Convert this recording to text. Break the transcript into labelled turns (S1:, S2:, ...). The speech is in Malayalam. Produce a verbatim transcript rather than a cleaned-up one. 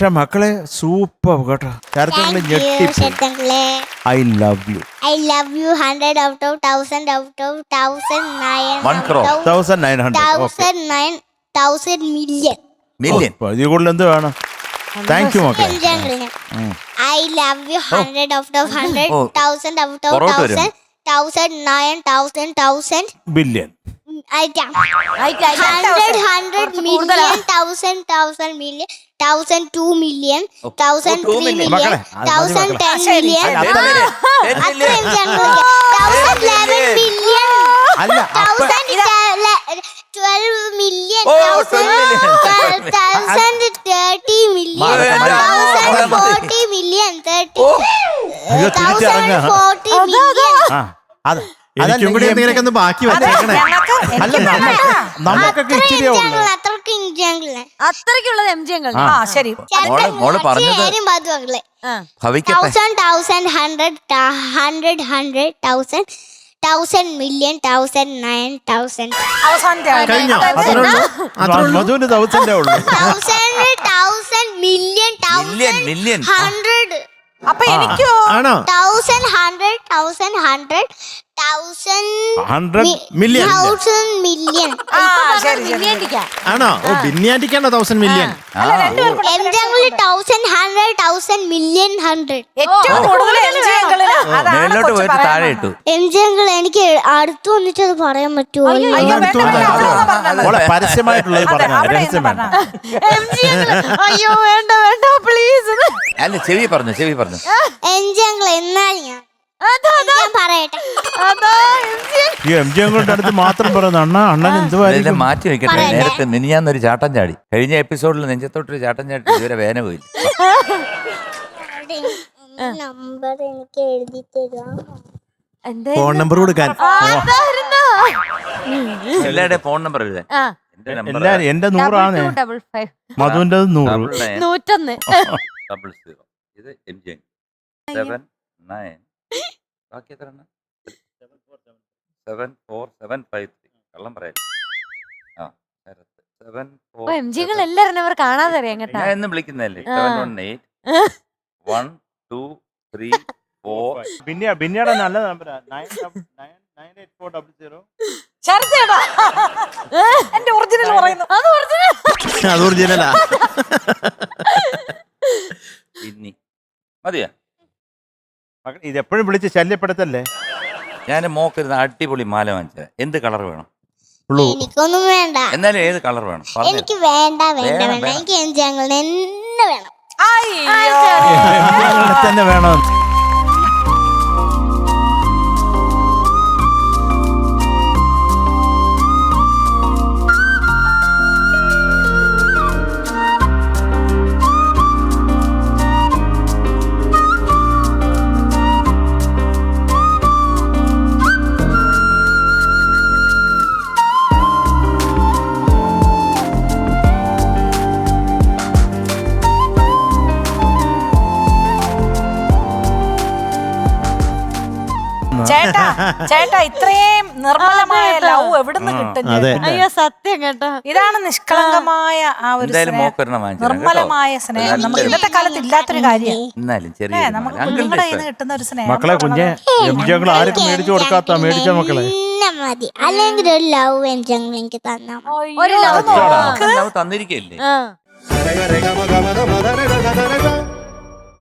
S1: മക്കളെ സൂപ്പർ കേട്ടോ. I love you.
S2: I love you hundred out of thousand out of thousand nine
S1: thousand nine hundred
S2: thousand nine thousand million
S3: million.
S1: ഇതിൽ കൂടുതൽ എന്ത് വേണം? താങ്ക് യു മക്കളെ.
S2: I love you hundred out of hundred
S3: Oh.
S2: thousand out of
S3: പുറകോട്ട് വരും.
S2: thousand thousand nine thousand thousand
S1: billion.
S2: hundred hundred million thousand thousand million thousand two million thousand
S3: two
S2: three
S3: million.
S2: million thousand ten million thousand eleven million
S1: അല്ല അപ്പ
S2: thousand twelve million
S3: Oh,
S2: thousand
S3: twelve
S2: thousand thirty million thousand forty million thirty
S1: അയ്യോ തിരിച്ചിറങ്ങ.
S2: thousand forty million
S1: ആ അത്
S4: എനിക്കും കൂടി എന്തെങ്കിലുമൊക്കെ ഒന്ന് ബാക്കി വെച്ചേക്കണേ.
S1: അല്ല നമ്മ- നമുക്കൊക്കെ ഇച്ചിരിയേ ഉള്ളൂ.
S2: അത്രക്ക് ഇഞ്ചാങ്കിളെ
S5: അത്രയ്ക്കുള്ളത് എം ജി അങ്കിൾ. ആ ശരി.
S3: മോളെ മോള് പറഞ്ഞത് ഭവിക്കട്ടെ.
S2: thousand thousand hundred hundred hundred thousand thousand million thousand nine thousand
S5: അവസാനത്തെ ആള്.
S4: കഴിഞ്ഞോ? അത്രേ ഉള്ളൂ? അത്രേ ഉള്ളൂ?
S1: മധുവിന്റെ തൗസൻഡേ ഉള്ളൂ.
S2: thousand thousand million
S3: million
S2: thousand
S3: million.
S2: hundred
S5: അപ്പൊ എനിക്കോ
S4: ആണോ?
S2: thousand hundred thousand hundred thousand
S1: hundred
S4: million
S2: thousand million
S5: ആ ശരി ശരി.
S4: ആണോ? ഓ ബിന്യാറ്റിക്കാണോ thousand million?
S2: M jungle thousand hundred thousand million hundred
S5: ഏറ്റവും കൂടുതൽ എം ജി അങ്കിളിനാ. അതാണ്
S3: മേളിലോട്ട്
S5: കൊച്ചു
S3: പോയിട്ട് താഴെ
S5: പറയുന്നത്.
S3: ഇട്ടു.
S2: എം ജംഗിൾ എനിക്ക് അടുത്ത് വന്നിട്ട് അത് പറയാൻ പറ്റുമോ
S5: അയ്യോ,
S4: അയ്യോ,
S5: വേണ്ട,
S4: അടുത്ത്
S5: വേണ്ട,
S4: വന്നോ.
S5: അവിടെ വന്നോ പറഞ്ഞത്.
S1: മോളെ പരസ്യമായിട്ടുള്ളത്
S5: അതെ,
S1: പറഞ്ഞ
S5: അവിടെ
S1: രഹസ്യം
S5: ഇരുന്ന്
S1: വേണ്ട.
S5: പറഞ്ഞാ. എം ജി അങ്കിൾ, അയ്യോ വേണ്ട വേണ്ട പ്ലീസ്.
S3: അല്ല ചെവി പറഞ്ഞു ചെവി പറഞ്ഞു.
S2: എം ജംഗിൾ എന്നാൽ ഞാൻ ഞാൻ പറയട്ടെ
S5: അതാ എം ജി.
S1: ഈ എം ജി അങ്ങളുടെ അടുത്ത് മാത്രം പറയുന്നത് അണ്ണ അണ്ണൻ
S3: ഇതെല്ലാം
S1: എന്തുവായിരിക്കും?
S3: മാറ്റി വെക്കട്ടെ.
S2: പറയട്ടെ.
S3: നേരത്തെ മിനിഞ്ഞാന്നൊരു ചാട്ടം ചാടി. കഴിഞ്ഞ എപ്പിസോഡിൽ നെഞ്ചത്തോട്ടൊരു ചാട്ടം ചാടി ഇതുവരെ വേന പോയില്ല.
S2: നമ്പർ എനിക്ക് എഴുതി തരാം
S5: എന്തേ?
S4: ഫോൺ നമ്പർ കൊടുക്കാൻ.
S5: അതായിരുന്നോ?
S3: എല്ലാവരുടെയും ഫോൺ നമ്പർ എഴുതാൻ.
S5: ആ.
S3: എന്റെ നമ്പർ
S1: എല്ലാരും എന്റെ നൂറാണ്,
S5: ഡബിൾ ടു ഡബിൾ ഫൈവ്.
S1: മധുവിന്റെ നൂറ്.
S3: ഡബിൾ നയൻ
S5: നൂറ്റൊന്ന്.
S3: Double zero. ഇത് എം ജി സെവൻ നയൻ. ബാക്കി എത്ര seven four seven five three. കള്ളം പറയാം. ആ സെവൻ ഫോർ.
S5: ഓ എം ജി അങ്കിൾ എല്ലാരും അവർ കാണാതെ അറിയാം കേട്ടാ.
S3: ഞാൻ എന്നും വിളിക്കുന്നതല്ലേ.
S5: ആ.
S3: Seven one eight one two three four.
S1: പിന്നെ പിന്നീട് നല്ല നമ്പറാ nine nine eight four double zero.
S5: ശരത്തേടാ എന്റെ ഒറിജിനൽ പറയുന്നു. അത് ഒറിജിനൽ.
S4: അത് ഒറിജിനലാ.
S3: പിന്നെ മതിയാ.
S1: മക്കളെ ഇത് എപ്പോഴും വിളിച്ച് ശല്യപ്പെടുത്തല്ലേ.
S3: ഞാൻ മോക്കരുന്ന് അടിപൊളി മാല വാങ്ങിച്ചത്. എന്ത് കളർ വേണം?
S1: ബ്ലൂ.
S2: എനിക്കൊന്നും വേണ്ട
S3: എന്നാലും ഏത് കളർ വേണം? പറഞ്ഞു.
S2: എനിക്ക് വേണ്ട വേണ്ട
S3: വേണം,
S2: വേണ്ട
S3: വേണം.
S2: എനിക്ക് എം ജംഗിൾ തന്നെ വേണം
S5: അയ്യോ.
S1: തന്നെ വേണം.
S5: ചേട്ടാ ചേട്ടാ ഇത്രയും നിർമ്മലമായ ലവ് എവിടുന്ന് കിട്ടും?
S4: അതെ.
S5: അയ്യോ സത്യം കേട്ടോ. ഇതാണ് നിഷ്കളങ്കമായ ആ ഒരു
S3: എന്തായാലും
S5: സ്നേഹം.
S3: മോക്കൊരെണ്ണം വാങ്ങിച്ചു തരാം കേട്ടോ.
S5: നിർമ്മലമായ സ്നേഹം നമുക്ക് ഇന്നത്തെ കാലത്ത് ഇല്ലാത്തൊരു കാര്യം.
S3: എന്നാലും ചെറിയ
S5: ഏ
S3: ഒരു
S5: നമുക്ക്
S3: മാല. അങ്കിളിന്റെ
S5: കുഞ്ഞുങ്ങളുടെ കയ്യിൽ
S3: ഇഷ്ടം.
S5: നിന്ന് കിട്ടുന്ന ഒരു സ്നേഹം.
S1: മക്കളെ കുഞ്ഞെ എം ജി അങ്ങൾ ആർക്കും മേടിച്ചു കൊടുക്കാത്ത മേടിച്ച മക്കളെ.
S2: തന്നെ മതി അല്ലെങ്കിൽ ഒരു ലവ് എം ജംഗിൾ എനിക്ക് തന്നാ മതി.
S5: ഒരു ലവ്
S3: ഇഷ്ടമാണ്. അവൻ തന്നിരിക്കല്ലേ.
S5: ആ
S4: രേഖ, രേഖ, മ, ഗ, മ, ധ, മ, ധ, ര, ര,